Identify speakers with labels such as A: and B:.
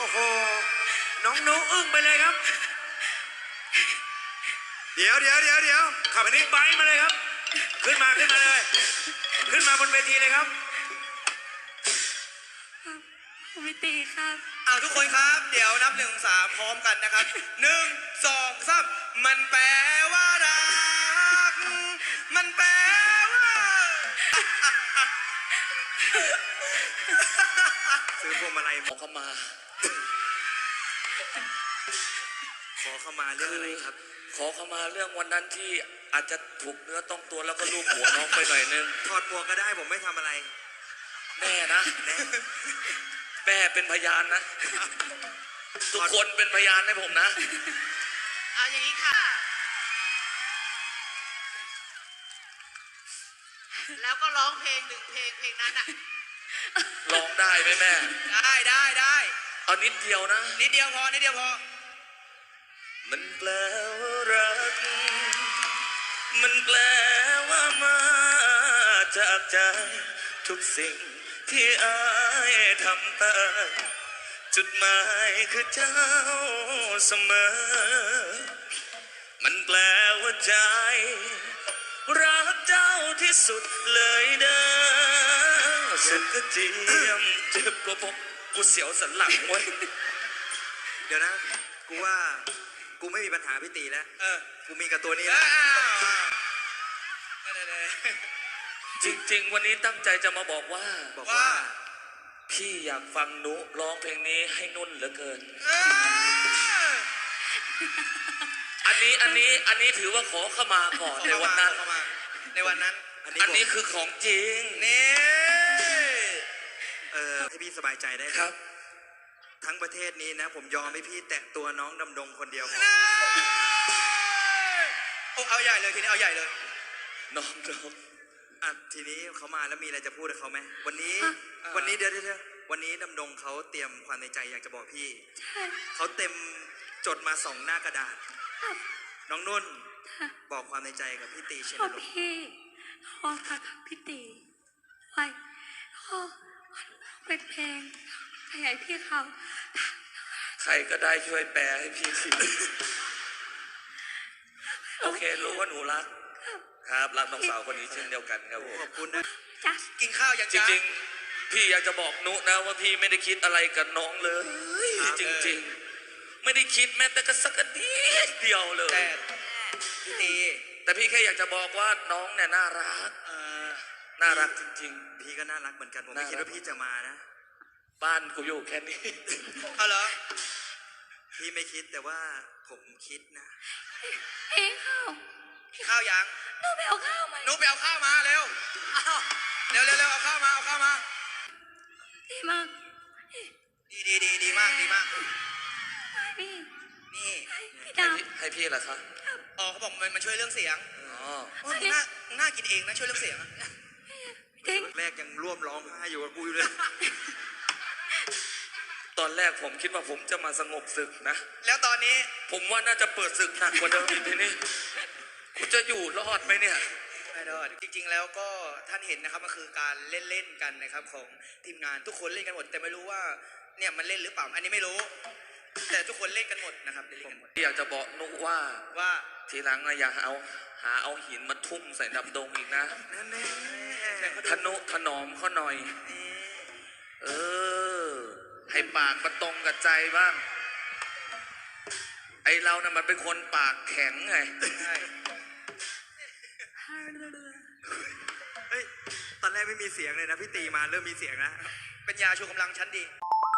A: โหน้องนุอึ้งไปเลยครับ เดี๋ยวขับบิ๊กไบค์มาเลยครับขึ้นมาเลย ขึ้นมาบนเวทีเลยครับ
B: พี่ตีครับ
C: ทุกคนครับเดี๋ยวนับ1-3พร้อมกันนะครับ1-2-3มันแปลว่ารักมันแปลว่า
A: ซื้อพวงมาลัย
D: ขอเข้ามา
A: เรื่องอะไรครับ
D: ขอเข้ามาเรื่องวันนั้นที่อาจจะถูกเนื้อต้องตัวแล้วก็ลูบหัวน้องไปหน่อยนึง
A: ถอดหมวกก็ได้ผมไม่ทำอะไร
D: แน่นะแม่เป็นพยานนะทุกคนเป็นพยานให้ผมนะ
C: เอาอย่างนี้ค่ะแล้วก็ร้องเพลงเพลงนั้นอะ
D: ร้องได้ไหมแม่
C: ได้
D: เอานิดเดียวนะ
C: นิดเดียวพอ
D: มันแปลว่ารักมันแปลว่ามาจากใจทุกสิ่งที่อายทำไปจุดหมายคือเจ้าเสมอมันแปลว่าใจรักเจ้าที่สุดเลยเด้อสุดกระเจียมเจ็บกว่าผมกูเสียวสันหลังไว้
A: เดี๋ยวนะกูว่ากูไม่มีปัญหาพี่ตีแล้วกูมีกับตัวนี้
D: จริงๆวันนี้ตั้งใจจะมาบอกว่าพี่อยากฟังนุร้องเพลงนี้ให้นุ่นเหลือเกินอันนี้ถือว่าขอเข้ามาก่อนในวันนั้นอันนี้คือของจริง
C: นี่
A: ให้พี่สบายใจได้
D: ครับ
A: ทั้งประเทศนี้นะผมยอมให้พี่แตะตัวน้องดำดงคนเดียว
C: เอาใหญ่เลยทีนี้เอาใหญ่เลย
D: น้อง
A: ทีนี้เขามาแล้วมีอะไรจะพูดกับเขาไหมวันนี้เดี๋ยววันนี้ดำดงเขาเตรียมความในใจอยากจะบอกพี่เขาเต็มจดมา2 หน้ากระดาษน้องนุ่นบอกความในใจกับพี่ตีเช่นเดียวกัน
B: พี่ขอค่ะพี่ตีไว้ขอเป็นเพลงขยายพี่เขา
D: ใครก็ได้ช่วยแปลให้พี่ทีโอเครู้ว่าหนูรักครับรักน้องสาวคนนี้เช่นเดียวกันครับผม
A: ขอบคุณนะ
C: กินข้าวยัง
D: จริงๆพี่อยากจะบอกนุนะว่าพี่ไม่ได้คิดอะไรกับน้องเลยจริงๆไม่ได้คิดแม้แต่กระสักนิดเดียวเลย
C: พี่ตี
D: แต่พี่แค่อยากจะบอกว่าน้องเนี่ยน่ารักจริง
A: ๆพี่ก็น่ารักเหมือนกันผมไม่คิดว่าพี่จะมานะ
D: บ้านกูอยู่แค่นี้
C: เอาเหรอ
A: พี่ไม่คิดแต่ว่าผมคิดนะ
C: ข้าวยัง
B: หนูไปเอาข้าวมา
C: เร็วเอาข้าวมา
B: ดีมาก
C: ดีมาก
B: พี่
C: นี่
B: พี่ดาว
D: ให้พี่เหรอคะ
C: เขาบอกมันช่วยเรื่องเสียงน่ากินเองนะช่วยเรื่องเสียง
A: แรกยังร่วมร้องไห้อยู่กับกูอยู่เลย
D: ตอนแรกผมคิดว่าผมจะมาสงบศึกนะ
C: แล้วตอนนี้
D: ผมว่าน่าจะเปิดศึกหนักกว่าเดิมอีกทีนี้กูจะอยู่รอดไหมเนี่ย
C: ไม่รอดจริงๆแล้วก็ท่านเห็นนะครับมันคือการเล่นกันนะครับของทีมงานทุกคนเล่นกันหมดแต่ไม่รู้ว่าเนี่ยมันเล่นหรือเปล่าอันนี้ไม่รู้แต่ทุกคนเล่นกันหมดนะครับเล่นกันหมด
D: อยากจะบอกนุว่าทีหลังนะอย่าหาเอาหินมาทุ่มใส่ดำดงอีกนะทนุถนอมเขาหน่อยให้ปากมันตรงกับใจบ้างไอเรานะมันเป็นคนปากแข็งไง
A: ตอนแรกไม่มีเสียงเลยนะพี่ตีมาเริ่มมีเสียงนะ
C: เป็นยาชูกำลังชั้นดี